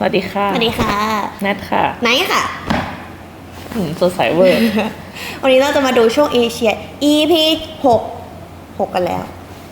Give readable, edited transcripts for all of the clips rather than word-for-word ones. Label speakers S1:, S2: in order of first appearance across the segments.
S1: วัสดีค่ะ
S2: สวัสดีค่ะ
S1: แนทค่ะ
S2: ไนท์ค่ะ
S1: สดใสเวอร์
S2: วันนี้เราจะมาดูช่วงเอเชีย EP 6กันแล้ว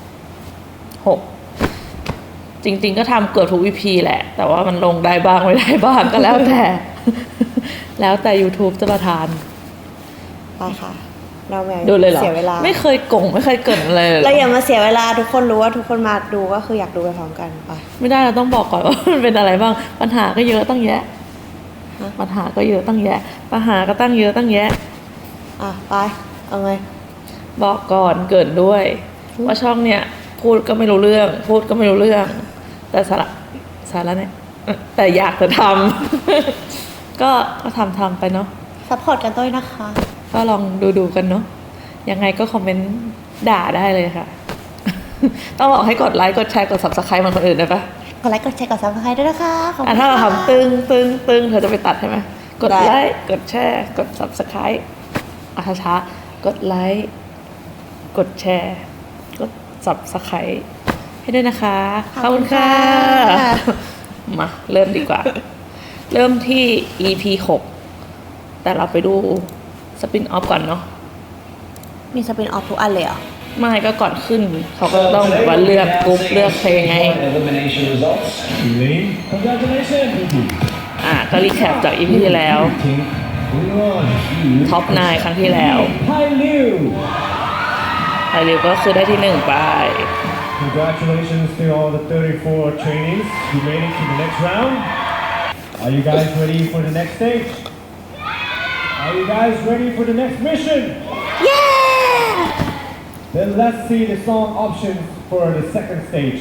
S1: 6จริงๆก็ทำเกือบทุก EP แหละ แต่ว่ามันลงได้บ้างไม่ได้บ้างก็แล้วแต่ แล้วแต่ YouTube จะประทาน
S2: ไปค่ะ เราไม่
S1: ดูเลยเหรอ
S2: เสียเวลา
S1: ไม่เคยกงไม่เคยเกินอะไรเลย
S2: เราอย่ามาเสียเวลาทุกคนรู้ว่าทุกคนมาดูก็คืออยากดูไปพร้อมกันไป
S1: ไม่ได้เราต้องบอกก่อนว่ามันเป็นอะไรบ้างปัญหาก็เยอะตั้งแยะปัญหาก็เยอะตั้งแยะปัญหาก็ตั้งเยอะตั้งแยะ
S2: ไปเอาไง
S1: บอกก่อนเกิดด้วยว่าช่องเนี่ยพูดก็ไม่รู้เรื่องพูดก็ไม่รู้เรื่องแต่สาระเนี่ยแต่อยากจะทำ ก็ทำไปเนาะ
S2: ซัพพอร์ตกันด้วยนะคะ
S1: ก็ลองดูกันเนาะยังไงก็คอมเมนต์ด่าได้เลยค่ะ ต้องบอกให้กดไลค์กดแชร์กด Subscribe มันคนอื่นได้ปะ
S2: กดไลค์กดแชร์กด Subscribe ด้วยนะคะ
S1: ถ้าเราทำตึงเธอจะไปตัดใช่ไหมกดไลค์กดแชร์กด Subscribe ช้าๆกดไลค์กดแชร์กด Subscribe ให้ด้วยนะคะขอบคุณค่ะมาเริ่มดีกว่า เริ่มที่ EP 6แต่เราไปดูสปินออฟก่อนเนาะ
S2: มีสปินออฟทุกอันเลยเหรอ
S1: ไม่ก็ก่อนขึ้นเขาก็ต้องแบบว่าเลือกกรุ๊ปเลือกเพลงไงก็รีแคปจาก EP ที่แล้วท็อป9ครั้งที่แล้วไฮริวก็คือได้ที่1ไป
S3: Congratulations to all the 34 trainees who made it to the next round. Are you guys ready for the next stage? Are you guys ready for the next mission?
S2: Yeah!
S3: Then let's see the song options for the second stage.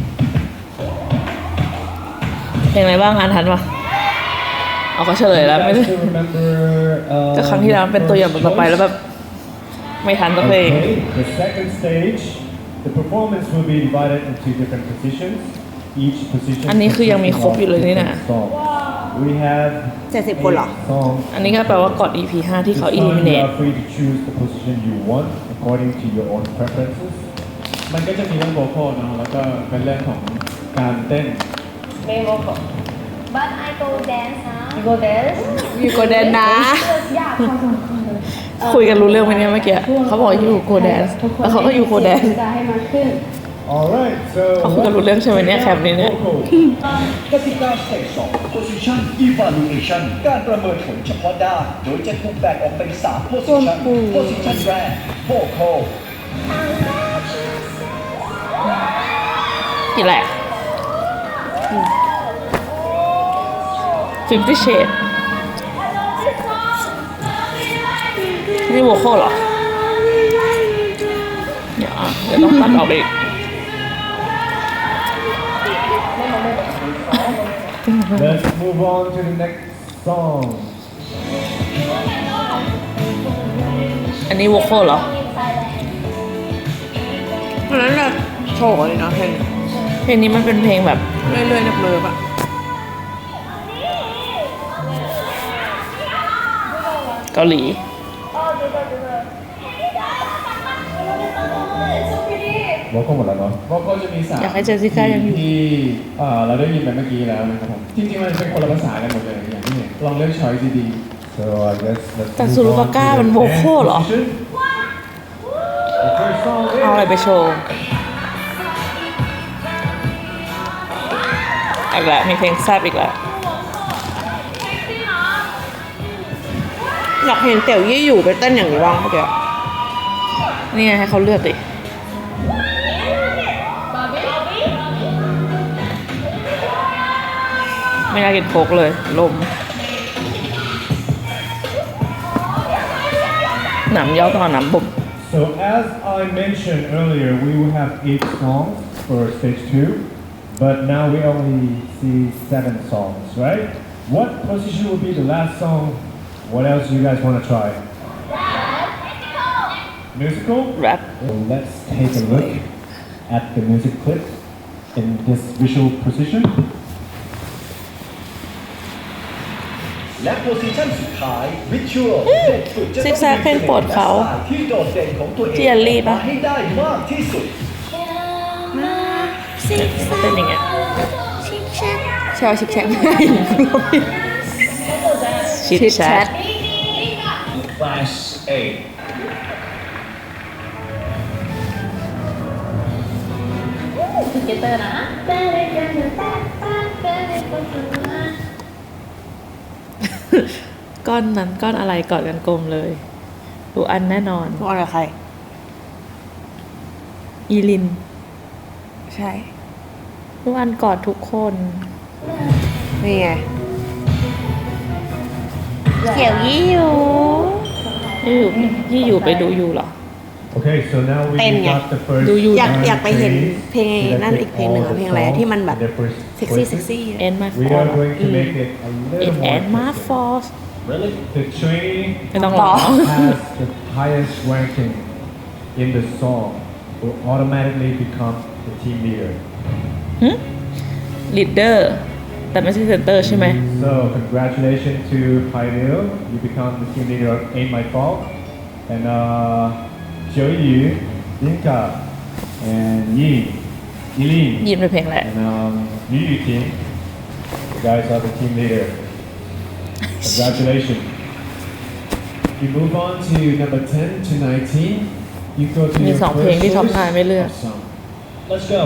S1: เพลงอะไรบ้างอ่านทันปะเอาก็เฉลยแล้วไม่ได้ก็ครั้งที่แล้วเป็นตัวอย่างต่อไปแล้วแบบไม่ทันสักเพลง
S3: The second stage, the performance will be divided into different positions. Each position
S1: อันนี้คือยังมีครบอยู่เลยนี่นะ
S3: We have
S2: 70 คนเหรอ
S1: อันนี้ก็แปลว่าก่อน EP 5ที่เขา eliminate
S3: You are free to choose the position you want according to your own preferences. มันก็จะมีเรื่องโวคอลเนาะแล้วก็เป็นเรื่องของการเต้น
S4: ไม่โวคอล but I go dance นะ
S2: You go dance You go dance นะ
S4: อยากพอสมควรเลย
S1: คุยกันรู้เรื่องไหมเนี่ยเมื่อกี้เขาบอกอยู่โคแดนซ์แล้วเขาก็อยู่โคแดนซ์
S4: จะให้มันขึ้น
S3: Alright, so
S1: เขาคุยกันรู้เรื่องใช่ไหมเนี่ยแคปนี้เนี่ย
S5: กติกาสเตจ2 Position Evaluation การประเมินผลเฉพาะด้านโดยจะถูกแบ่งออกเป็น3 Position Position แรก Vocal
S1: กี่แหละ50 Shades นี่โวคอลเหรอเดี๋ยวต้องตัดออกไปอีก
S3: let's move on to the next song.
S1: อันนี้โวคอลเหรอ
S2: เพราะนั้นเราโชว์เลยนะเพลง
S1: เพลงนี้มันเป็นเพลงแบบ
S2: เรื่อยๆเนิบๆอะ
S1: เกาหลี
S3: โวคอลหมดแล้วเนาะโวคอลจะมี3
S1: อยากให้เจสสิก้ายังอยู่
S3: ที่เราได้ยินไปเมื่อกี้แล้วนะครับผมจริงๆมันเป็นคนละภาษากันหมดเลยอย่างที่เห็นลองเลือกช้อยดีๆ So I guess let's
S1: แต่ซูรุปาก้ามันโวคอลเหรอ
S3: The first song
S1: เอาอะไร
S3: is
S1: ไปโชว์อีกแล้วมีเพลงแซบอีกแล้ว
S2: อยากเห็นเตี่ยวยี่อยู่ไปเต้นอย่างนี้บ้างเมื่อกี้
S1: นี่ไงให้เขาเลือกดิไม่น่ากินโค้กเลยลมหนำย่อต่อหนำบุบ
S3: So as I mentioned earlier, we will have 8 songs for stage 2, but now we only see 7 songs, right? What position will be the last song? What else do you guys want to try? Musical?
S1: แรป
S3: So let's take a look at the music clip in this visual position.
S5: และ Position สุดท้าย Visual เด็กฝึกจะต้อง
S1: ซิกแซกเพลงโปรดเขา
S5: ที่โดดเด่นของตัวเอง
S1: ที่เอลลี่ปะ
S5: ให้ได้มากที่สุด
S1: เป็นอย่างเงี้ย
S2: ช่ว่าชิคแชทไม่
S1: ชิดแชท
S5: Class A
S4: เกเตอร์นะ
S1: ก้อนนั้นก้อนอะไรกอดกันกลมเลยดูอันแน่นอน
S2: พวกอะไรใคร
S1: อีลิน
S2: ใช่
S1: ดูอันกอดทุกคน
S2: นี่ไงเกี่ยวยี่อยู่
S1: ยี่อยู่ไปดูอยู่เหรอ
S3: Okay, so now we
S2: Tên nhỉ?
S3: got the first
S1: ดูอยู่
S2: อยาก
S3: nine
S2: อยากไปเห็น
S3: plays.
S2: เพลง
S3: So
S2: นั่น
S3: let's
S2: อีก
S3: take
S2: เพลงหนึ่ง
S3: all
S2: อะ
S3: the
S2: เพลงอะไรอะ
S3: songs
S2: ที่มันแบบ
S3: in their first
S2: เซ็กซี่
S3: choices.
S2: เซ็กซี่
S1: End my
S3: We are
S1: fault
S3: going to make it a little
S1: It
S3: more
S1: and my
S3: interesting.
S1: fault
S5: Really
S3: The trainee
S1: ไม่ต้องร้อง
S3: has the highest ranking in the song will automatically become the team leader.
S1: ลีดเดอร์แต่ไม่ใช่เซนเตอร์ใช่ไหม
S3: So congratulations to Pioneer, you become the team leader of Ain't My Fault. And Joey Yu, Yinka, and Yi, Yilin,
S1: ยินเป็นเพลงแหละ
S3: and Yu Yu team. You guys are the team leader. Congratulations. You move on to number 10 to 19. You go to
S1: มี
S3: your
S1: สองเพลง
S3: first
S1: ที่ท็อป
S3: choice
S1: 9ไม่เลือก
S3: of song.
S5: Let's go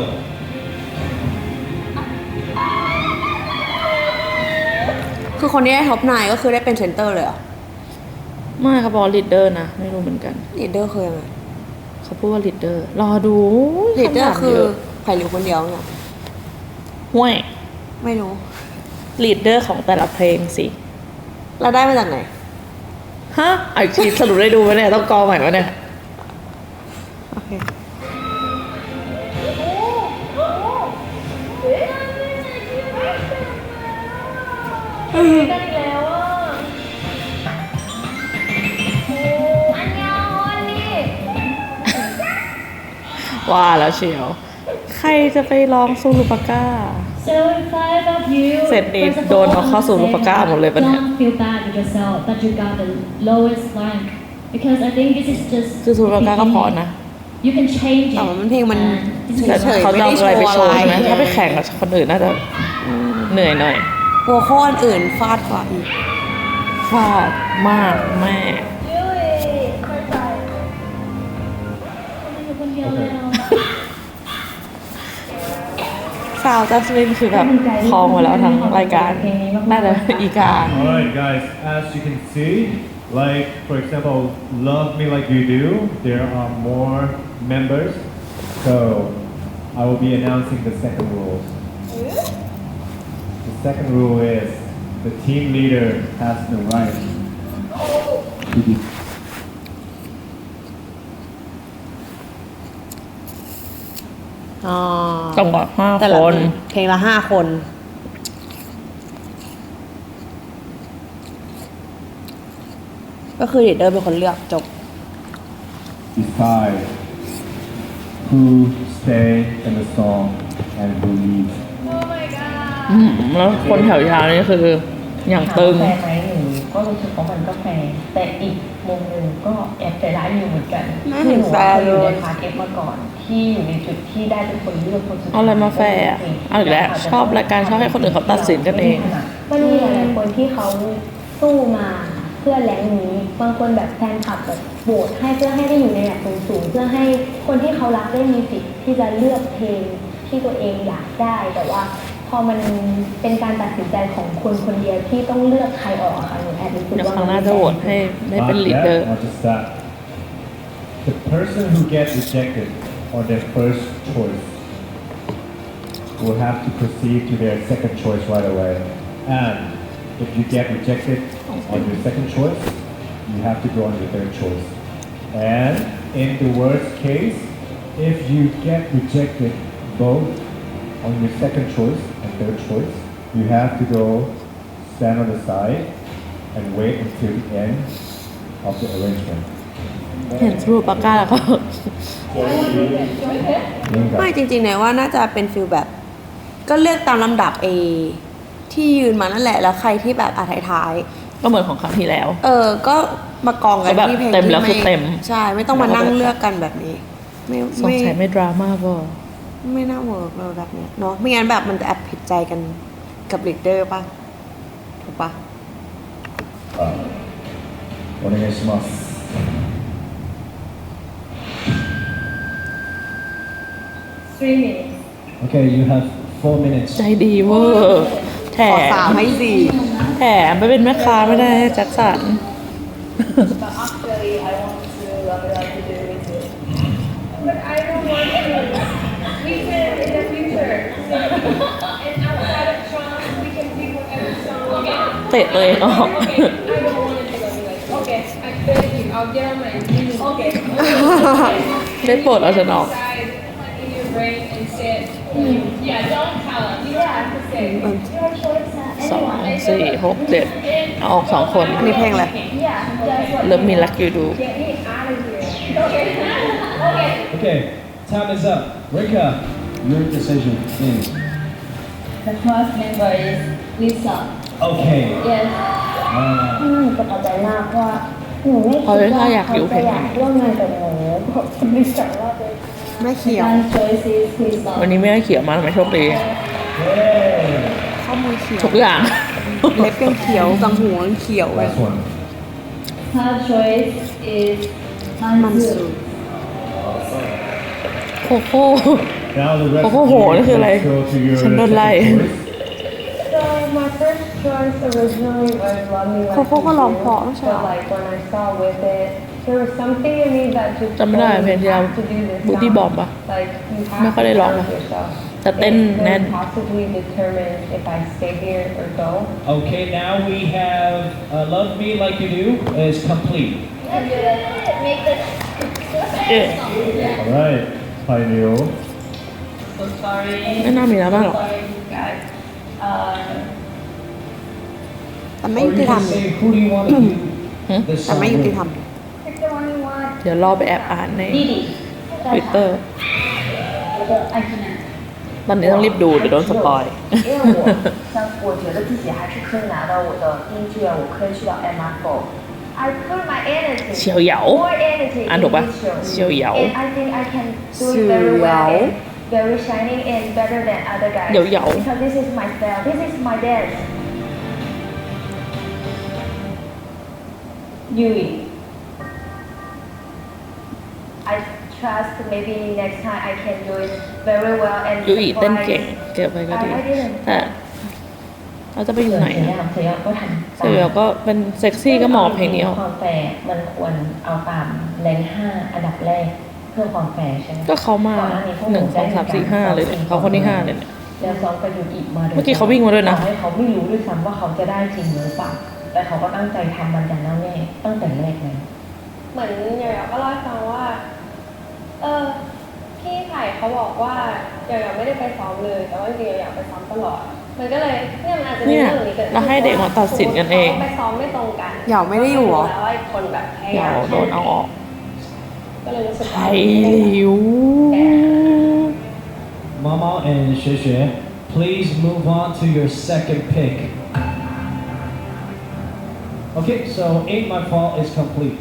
S2: คือคนที่ได้ท็อป9ก็คือได้เป็นเซนเตอร์เลยเหรอ
S1: ไม่เขาบอกลีดเดอร์นะ ไม่รู้เหมือนกัน
S2: ลีดเดอร์คือยังไง
S1: เขาพูดว่าลีดเดอร์ รอดู
S2: ลีดเดอร์
S1: ำถาม
S2: คือ
S1: เยะ
S2: ไผ่หลิวคนเดียวเนี่ย
S1: ห่วย
S2: ไม่รู้
S1: ลีดเดอร์ของแต่ละเพลงสิ
S2: เราได้มาจากไหน
S1: ฮะไอชีสรุปได้ดูไหมเนี่ย ต้องกอใหม่วะเนี่ย
S2: โอเค
S4: กันอีกแล้วอ่ะอันยองนี่
S1: ว่าแล้วเชียว ใครจะไปร้องซูรุปาก้า
S6: เสร็จนี่โดนเอาเข้าสู่รูปก้าหมดเลยปะเนี่ย
S1: คือซูรุปาก้าก็พอนะ
S2: แต่ว่ามันเพลงมันเฉ
S1: แต่
S2: ยๆ
S1: เขา
S2: ไม่
S1: จะ
S2: ได้
S1: เอา
S2: โช
S1: อะไร
S2: ว์
S1: ไป
S2: อะ
S1: โชว์
S2: ไร
S1: ใช่ไหมถ้าไปแข่งกับคนอื่นน่าจะเหนื่อยหน่อย
S2: หัวข้ออื่นฟาดกว่าอีก
S1: ฟาดมากแม่
S4: ยุ้ยเข้าใจ
S1: ซาวจัสมินคือแบบคลองมาแล้วทั้งรายการ น่าจะอีกา
S3: Alright guys, as you can see, like for example, Love Me Like You Do, there are more members. So I will be announcing the second rule. The second rule is the team leader has the right to be
S2: อ๋อ
S1: ต้องบอก5
S2: แต่ละ
S1: คน
S2: เพลงละ5 คน ก็คือลีดเดอร์เป็นคนเลือกจบ
S3: decide who stay in the song and who leave.
S1: แล้วคนแถวยาวนี่คืออย่างตึง
S6: แฟร์ไหมหนูก็รู้สึกว่ามันก็แฟร์แต่อีกมุมหนึ่งก็แอบใจร้ายอยู่เหมือนกัน
S2: ไม่เห็นแฟร์เลย
S6: หนูอยู่ในพาร์ทเอฟมาก่อน ที่อยู่ในจุดที่ได้เป็นคนเลือกคนสุดท้าย
S1: เอาอะไรมาแฟร์อะเอาอีกแล้วชอบรายการชอบให้คนอื่นเขาตัดสินกันเอง
S4: มันมีหลายๆคนที่เขาสู้มาเพื่อแรงนี้ บางคนแบบแฟนคลับแบบโหวตให้เพื่อให้ได้อยู่ในระดับสูงๆเพื่อให้คนที่เขารักได้มีสิทธิ์ที่จะเลือกเพลงที่ตัวเองอยากได้ แต่ว่าพอมันเป็นการตัดสินใจของคนคนเดียวที่ต้องเลือกใครออกอะค่ะหนูแอบรู้สึก
S1: เดี๋ยว
S4: ว่า
S1: ครั้งหน้าจะโหวตให้ได้เป็น
S3: Not
S1: ลีดเดอ
S3: that,
S1: ร์
S3: not just that. The person who gets rejected on their first choice will have to proceed to their second choice right away. And if you get rejected on your second choice, you have to go on your third choice. And in the worst case, if you get rejected both on your second choice and third choice, you have to go stand on the side and wait until the end of the arrangement.
S1: เห็นซูรุปาก้าแล้วก็
S2: ไม่จริงๆเนี่ยว่าน่าจะเป็นฟิลแบบ ก็เลือกตามลำดับที่ยืนมานั่นแหละ แล้วใครที่แบบท้าย
S1: ก็เหมือนของครั้งที่แล้ว
S2: ๆก็มากองกัน
S1: ก็แบบ
S2: ที่เพลง
S1: เต็มแล้ว
S2: ที่
S1: คือเต็ม
S2: ใช่ ไม่ต้องมานั่งเลือกกันแบบนี้ ไม่
S1: สงสัยไม่ดราม่าบ่
S2: ไม่น่าเวิร์กเลยแบบเนี้ยเนาะไม่งั้นแบบมันจะแอบผิดใจกันกับลีดเดอร์ป่ะ ถูกป่ะ
S3: お願いします
S6: 3 minutes
S3: Okay you have 4 minutes
S1: ใจดีเวอร์แถ
S2: ขอสาม
S1: ม
S2: ให้สี่
S1: แถมไปเป็นแม่ค้าไม่ได้แจ็คสัน
S6: but actually I want to do with it but I don't want to we can in the future and outside of Trump we can pick whatever song we want
S1: เตะตัวเองออก
S6: okay I don't want to do anyway okay I beg you I'll get on my knees okay
S1: ได้โปรดเอาฉันออก
S6: decide in your brain and say yeah don't tell us you don't have to say
S1: สองสี่หกเจ็ดเอาออกสองคน
S2: อันนี้เพลงอะไร
S1: เริ่มมีรักอยู่ดู
S6: get me out of here okay
S3: Okay time is up Rika your decision is
S6: the first member is Lisa
S3: Okay
S6: yes
S4: หนูประทับใจมากเพราะว่าหนูไม่คิด
S1: เอาเลย
S4: ว่า
S1: ถ้าอยากอยู่
S4: เขา
S1: เพล
S4: จะ
S1: ง
S4: อยากร่วมงานกับหนูเพราะคนที่สองรอบเลย
S2: แม่เขียว
S6: second choice is Lisa
S1: วันนี้ไม่ได้เขียวมาทำไมโชคดี
S3: Hey
S2: ข้อมือเขียว
S1: ทุกอย่าง
S2: เล็บยังเขียวกังหูยังเขียวเลย
S3: last one
S6: third choice is
S2: มันสู
S1: โคโค่
S3: Now the rest
S1: โคโค่โหนี่คืออะไร
S3: go to your
S1: ฉันโดนไล่
S3: second choice.
S4: So my first choice originally was Love Me Like
S2: โคโค่ก็ร้องเพราะไม่ใช่
S4: but
S2: เหรอ
S4: like when I saw with it there was something in me that just
S1: จำไม่ได้
S4: told me
S1: เพลงที่เรา
S4: you have to do this
S1: Booty
S4: now.
S1: Bomb ปะ
S4: Like you
S1: ไม่
S4: have
S1: ค่อย
S4: to
S1: ได้ร้อง
S4: challenge
S1: นะ
S4: yourself
S1: แต่เต้น
S4: It
S1: แน่น
S4: could possibly determine if I stay here or go
S3: Okay now we have Love Me Like You Do is complete
S1: เอ๊ะ
S3: Alright Pioneer
S6: so sorry
S1: ไม่น่ามีแล้วบ้างหรอก
S6: sorry guys
S2: แต่ไม่
S3: Or
S2: ยุ
S3: you
S2: ติธรรม
S3: can say who do you want to do this
S2: แต่
S3: song
S2: ไม่ยุติ
S3: with?
S2: ธรรม
S4: Pick the one you want
S1: เดี๋ยวรอไปแอบอ่านใน
S6: Didi
S1: Twitter
S6: I cannot
S1: ตอนนี้ต้องรีบดูเดี๋ยวโดนสปอย
S7: 因为我觉得自己还是可以拿到我的第一志愿，我可以去到 MR4。I put my energy,
S1: เฉียวเหยา
S7: more energy
S1: อ่าน
S7: in
S1: ถูกปะ
S7: this show.
S1: เฉียวเหยา
S7: And I think I can do it very well and very shining and better than other guys.
S1: เหยาเหยา
S7: Because this is my style, this is my dance.
S6: Yui
S7: I trust maybe next time I can do it very well and
S1: ยูอีเต้นเก่ง
S7: surprise.
S1: เก็บไปก็ดี
S7: I didn't.
S1: แต่เราจะไปอยู่ไหน
S6: เสีย
S1: อะ
S6: งเสียงก็ทำ
S1: เสียวก็เป็นเซ็กซี่ก็เหมาะกับเพลงนี้ออก
S6: ความแฟร์มันควรเอาตามแรง5อันดับแรกเพื่อความแฟร์ใช่ไหม
S1: ก็เขามา
S6: ก่อนน้นี้พวก
S1: 1 2 3 4 5เลยเนี่ยเขาคนที่5เลยเนี่ย
S6: แล้วซ้อมกับยูกิมาโดย
S1: เมื่อกี้เขาวิ่งมาด้วยนะ
S6: ต่อให้เขาไม่รู้ด้วยซ้ำว่าเขาจะได้จริงหรือเปล่าแต่เขาก็ตั้งใจทำมันอย่างแน่วแน่ตั้งแต่แรกเลย
S2: เหมือนหยอยๆก็เล่าให้ฟังว่า พี่ไผ่เขาบอกว่าหยอยๆไม่ได้ไปซ้อมเลย แต่ว่าจริงๆหยอยๆไปซ้อมตลอด มันก็เลยเนี่ยมันอาจจะมี
S1: เนี่ย
S2: เรื่องนี้เกิดขึ้น
S1: เราให้เด็กมาตัดสินกันเอง
S2: ขาไปซ้อมไม่ตรงกัน
S8: หยอกไม่ได้อยู่เหรอ
S2: แล้วว่าคนแบบพยา
S1: เดี๋ย
S2: ยาม
S1: วโดนเอาออก
S2: ก็เลยรู้สึก
S1: ไท
S2: ว่าย
S1: หลิว
S3: Mama and Sheshe, please move on to your second pick. Okay, so Ain't My Fault is complete.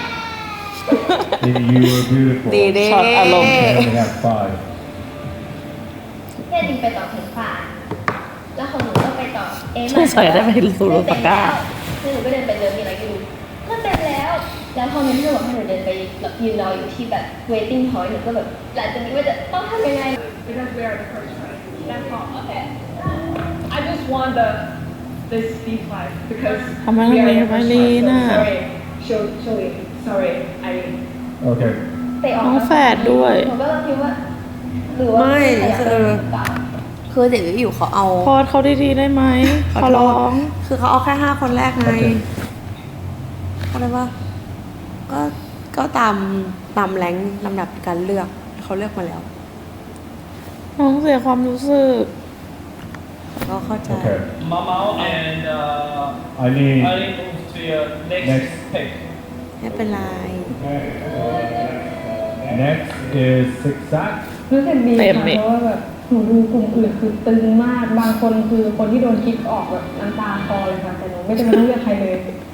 S3: You were beautiful.
S8: ดีเด้
S1: ช็อตอารมณ์
S3: And we have 5.
S4: เนี่ยจริงไปต่อเพลงฝ่ายแล้วของหนูก็ไปต่อเอ็ม
S1: สงสัยได้ไปสู่โรสก้า
S4: แล้วหนูก็เดินไปเดินมีอะไรก็ดูก็เต็มแล้ว แล้วพอมีเพื่อนบอกให้หนูเดินไปแบบยืนรออยู่ที่แบบ waiting point หนูก็แบบหลังจากนี้ว่าจะต้องทำยังไง
S2: Because we are the first one. That's all. Okay. I just want this B5 because
S1: ทำไม
S2: we
S1: ต้อง
S2: are
S1: มี
S2: the
S1: ไว
S2: first
S1: ลี
S2: one.
S1: น่ะ
S2: So sorry. Show it. Sorry. I
S3: Okay.
S4: เตะออก
S1: น้องแฝดด้วย
S4: หนูก็เลยคิดว่าหรือว่า
S8: ไม่
S4: ขยับ
S8: คือ
S4: หรือเปล่า
S8: คือเด็กอยู่เขาเอา
S1: พอดเขาดีๆได้ไหมขอร้อง
S8: คือเขาเอาแค่5 คนแรกไง
S3: Okay.
S8: อะไรวะก็ตามแรงลำดับการเลือกเขาเลือกมาแล้ว
S1: น้องเสียความรู้สึก
S8: ก็เข้าใจ
S3: Okay.
S5: Mama and
S3: I need
S5: Ali move to your next
S3: Next.
S5: pick.
S8: ไม่เป็นไร
S3: next is Six Sack.
S6: รู้สึกดี
S1: เต็ม
S6: ค่ะ
S1: นี่
S6: เพราะว่าแบบหนูดูกลุ่มอื่นคือตึงมาก บางคนคือคนที่โดนคิกออกแบบน้ำตาคลอเลยค่ะแต่หนูไม่จำเป็นต้องเลือกใครเลย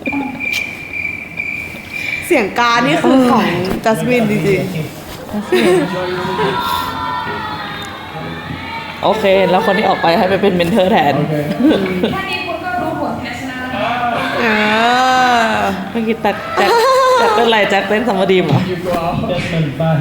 S8: เสียงการนี่คือของจัสมินจริง
S1: เโอเค แล้วคนที่ออกไปให้ไปเป็นเมนเทอร์แทน
S3: Okay.
S6: แค่นี้คุณก็รู้ผลแพ้ชนะแล้วนะ
S8: เออ
S1: เมื่อกี้แจ็คเป็นไรแจ็คเป็นสมดีมเหรอ
S3: You go out. Desmond, bye.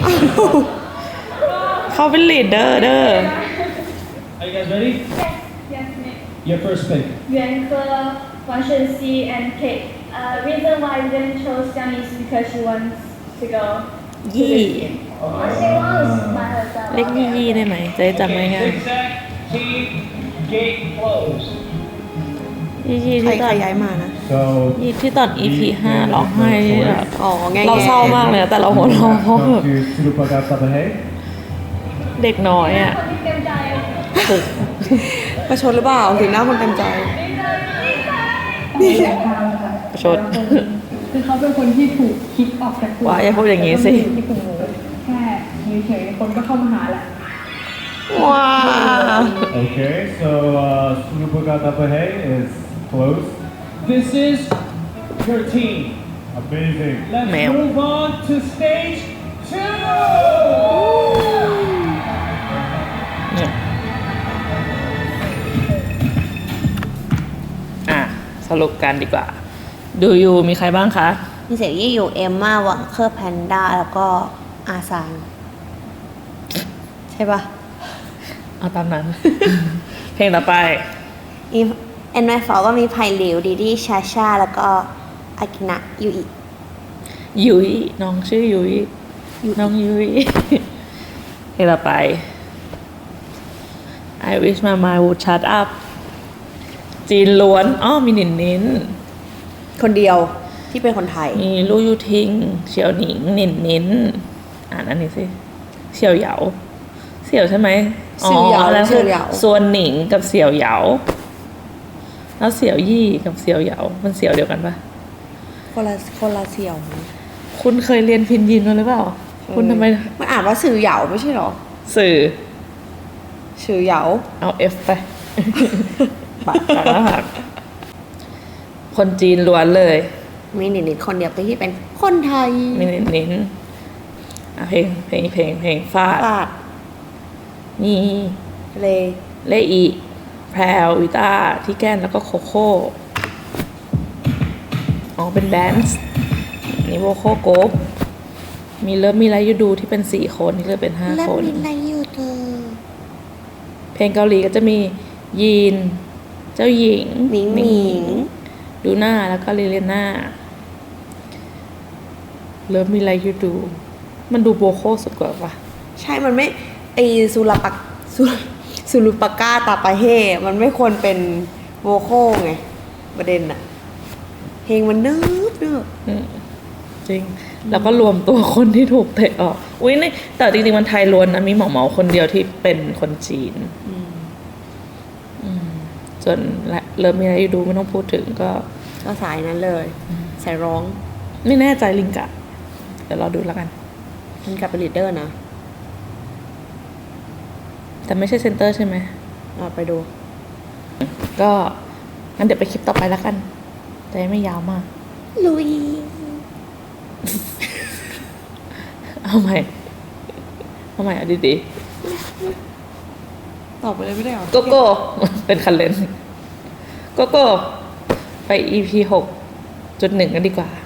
S1: เขาเป็นลีดเดอร์เด้อ
S3: Are you guys ready?
S4: Yes, ma'am.
S3: Your first pick.
S4: 袁科、王胜熙 and Kate. Reason why I didn't choose Jiang is because she wants to go.
S1: ยี่
S4: She wants by herself.
S1: เรียกยี่ได้ไหมจะได้จำง่าย
S5: Zigzag team gate closed.
S1: ๆยี่
S8: ใคร
S1: ที่ต
S8: ใค
S1: อ
S8: ร
S1: น
S8: ย้ายมานะ
S3: So
S1: ยี่ที่ตอน EP 5ร้องไห้ที่แบบ
S8: อ๋อแง่ๆ
S1: เราเศร้ามากเลยอะแต่เราหัวเราะเพราะ
S3: come
S1: แบบ
S3: to Surupaga Sabahe.
S1: เด็กน้อยอ่ะ
S4: คนที่เต็มใจ
S8: ประชดหรือเปล่าถึงหน้าคนเต็มใจ
S1: ประชด
S4: คือเขาเป็นคนที่ถูกคิดออกจากกลุ่ม
S1: ว่าอย่าพูดอย่างนี้สิ
S4: ที่กลุ่มหนูแค่เฉยๆคนก็เข้ามาหาแหละ
S8: ว้า
S3: Okay, so Surupaga Sabahe is closed.
S5: This is your team.
S3: Amazing.
S5: Let's
S1: Male.
S5: move on to stage 2.
S1: เนี่ยอ่ะสรุปกันดีกว่า ดูยูมีใครบ้างคะ
S8: มีเสียงยี่อยู่เอมมาหวังเคอร์แพนด้าแล้วก็อาซานใช่ปะ
S1: เอาตามนั้น เพลงต่อไป
S8: อีเอ็นไมฟอก็มีไผ่หลิวดีดีชาชาแล้วก็อากินะยูอิ
S1: ยุ้ยน้องชื่อยุ้ยน้องยุ้ย เพลงต่อไป I wish my mind would shut up จีนล้วนอ้อมีหนินนิน
S8: คนเดียวที่เป็นคนไทย
S1: มีลู่ยูทิง เฉียวหนิงหนินนินอ่านอันนี้สิ เฉียวเหยาเสี่ยวใช่ไหม
S8: เสี่ยวเหยา
S1: แล้ว
S8: เสี่ยวเหยา
S1: ส่วนหนิงกับเสี่ยวเหยาแล้วเสี่ยวยี่กับเสี่ยวเหยามันเสี่ยวเดียวกันปะ
S8: คนละเสี่ยว
S1: คุณเคยเรียนพินยินมาหรือเปล่า คุณทำไม
S8: มันอ่านว่าสื่อเหยาไม่ใช่หรอ
S1: สื่อ
S8: สื่อเหยา
S1: เอา F ไป ปากกลางแล้วหักคนจีนล้วนเลย
S8: มีหนิดๆคนเดียวที่เป็นคนไทย
S1: มีเน้นๆอ่ะเพลงฟาด
S8: ปาด
S1: มี
S8: เล
S1: เลอีแพรววิต้าที่แก้นแล้วก็โคโค่อ๋อเป็นแดนซ์นี่โวโคโกบมีเลิฟมีไรยูดูที่เป็น4คนนี่เลยเป็น5
S8: และ
S1: คน
S8: มีอะไรอยู่เธอ
S1: เพลงเกาหลีก็จะมียีน เจ้าหญิง
S8: หมิงหมิง
S1: ดูหน้าแล้วก็ลิเลน่าเลิฟมีไรยูดู มันดูโบโคสุดกว่าปะ
S8: ใช่มันไม่ไอสุรปักสุรุปากาตาปาเฮมันไม่ควรเป็นโวโคไง ประเด็นอะเพลงมันเนิบ
S1: อืมจริง แล้วก็รวมตัวคนที่ถูกเตะออก อุ้ยนี่แต่จริงๆมันไทยล้วนนะ มีหมอคนเดียวที่เป็นคนจีน อืมส่วนเริ่มมีอะไรอยู่ดูไม่ต้องพูดถึงก็
S8: ก็สายนั้นเลย สายร้อง
S1: ไม่แน่ใจลิงกะ เดี๋ยวรอดูแล้วกัน
S8: มันกลับเป็นลีดเดอร์นะ
S1: แต่ไม่ใช่เซนเตอร์ใช่ไหม
S8: ไปดู
S1: ก็งั้นเดี๋ยวไปคลิปต่อไปแล้วกัน แต่ไม่ยาวมาก
S8: ลุย
S1: เอาใหม่เอาดี
S8: ตอบไปเลยไม่ได้หรอ
S1: ๆโกโก้ เป็นคันเลนโกโก้ ไป EP 6.1 กันดีกว่า